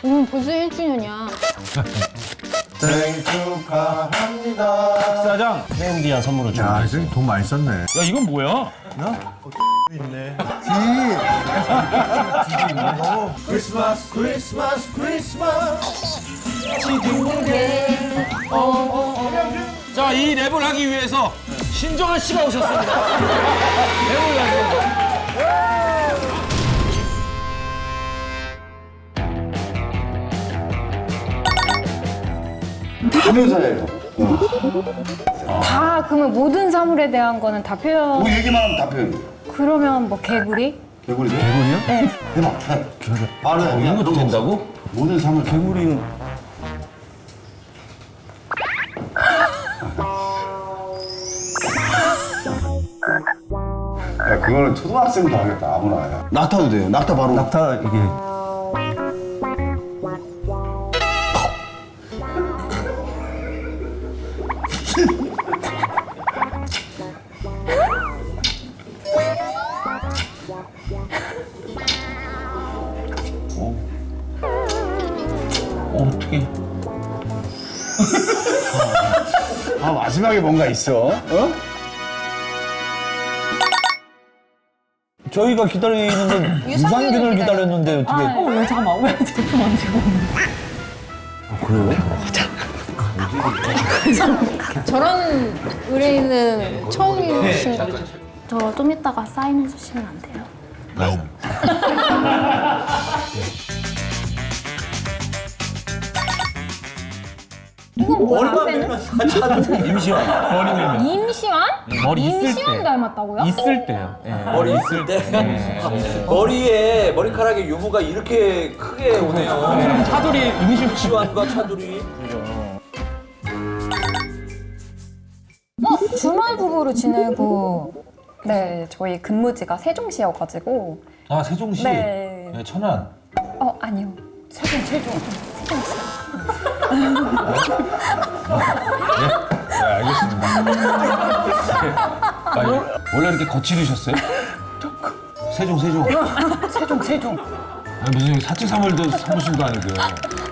벌써 1주년이야. 생일 축하합니다. 사장 트렌디한 선물을 좀. 야, 이제 돈 많이 썼네. 야 이건 뭐야? 있네. 크리스마스, 크리스마스, 크리스마스. 자, 이 랩을 하기 위해서 신정한 씨가 오셨습니다. 랩을 가지고. 다 묘사예요. 다 그러면 모든 사물에 대한 거는 다 표현. 뭐 얘기만 하면 다 표현이에요. 그러면 뭐 개구리? 개구리죠? 개구리요? 네. 대박. 바로 해. 이런 것도 된다고? 모든 사물 개구리는. 야, 그거는 초등학생도 하겠다. 아무나 해. 낙타도 돼요. 낙타 바로. 낙타 이게 어떻게? 아, 마지막에 뭔가 있어. 어? 저희가 기다리는데 유산균을 기다렸는데 어떻게? 왜 잠깐만 왜 제품 안 주고 저런 의뢰인은 처음이신 거죠? 저 좀 이따가 사인해 주시면 안 돼요? 이건 뭐야 앞에는? 임시완. 머리 밀면. 임시완? 머리 있을 임시완 때. 닮았다고요? 있을 때요. 예. 머리 있을 때 머리에 머리카락에 유무가 이렇게 크게 오네요. 차돌이 임시 시완과 차두리. 주말 부부로 지내고 네 저희 근무지가 세종시여가지고 아 세종시. 네. 네, 천안. 아니요 네, 알겠습니다. 아니, 원래 이렇게 거칠으셨어요? 세종. 세종 아니, 무슨 사치 사물도 사무실도 아니고요.